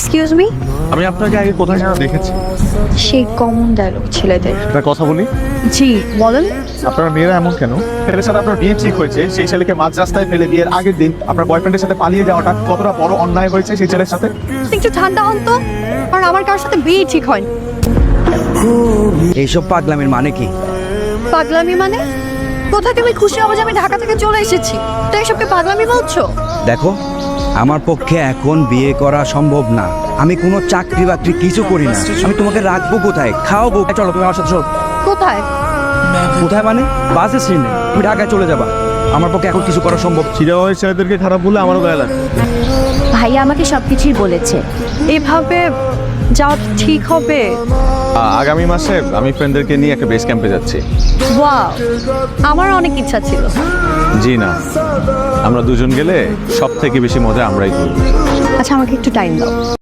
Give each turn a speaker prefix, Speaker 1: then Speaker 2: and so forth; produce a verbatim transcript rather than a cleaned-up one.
Speaker 1: Excuse me,
Speaker 2: আমি আপনাকে আগে কোথায় যেন দেখেছি।
Speaker 1: সেই কমন ডায়লগ ছেলেদের।
Speaker 2: একটা কথা বলি,
Speaker 1: জি বলেন।
Speaker 2: আপনার মেয়েরা এমন কেন? ছেলের সাথে আপনার বিয়ে ঠিক হয়েছে, সেই ছেলেকে মাঝ রাস্তায় ফেলে বিয়ের আগের দিন আপনার বয়ফ্রেন্ডের সাথে পালিয়ে যাওয়াটা কতটা বড় অন্যায় হয়েছে সেই ছেলের সাথে?
Speaker 1: একটু ঠান্ডা হন তো, কারণ আমার কারোর সাথে বিয়ে ঠিক হয়নি।
Speaker 3: এইসব পাগলামির মানে কি?
Speaker 1: পাগলামি মানে? কোথায় তুমি খুশি হবো যে আমি ঢাকা থেকে চলে এসেছি, তো এসবকে পাগলামি বলছো?
Speaker 3: দেখো, আমার পক্ষে এখন বিয়ে করা সম্ভব না। আমি কোনো চাকরি বাকরি কিছু করি না। আমি তোমাকে রাখবো কোথায়, খাওয়াবো? চলো তুমি আমার সাথে চলো।
Speaker 1: কোথায়?
Speaker 3: কোথায় মানে? বাসে সিনে তুমি ঢাকায় চলে যাবা। আমার পক্ষে এখন কিছু করা সম্ভব।
Speaker 2: চিরাবাইয়ের ছেলেদেরকে খারাপ বলে আমারও গায়ে লাগে।
Speaker 1: ভাইয়া আমাকে সবকিছুই বলেছে। এভাবে যাওয়া ঠিক হবে?
Speaker 2: আগামী মাসে আমি ফ্রেন্ডদেরকে নিয়ে একটা বেস ক্যাম্পে যাচ্ছি।
Speaker 1: ওয়াও, আমার অনেক ইচ্ছা ছিল।
Speaker 2: জি না, আমরা দুজন গেলে সব থেকে বেশি মজা আমরাই করব।
Speaker 1: আচ্ছা আমাকে একটু টাইম দাও।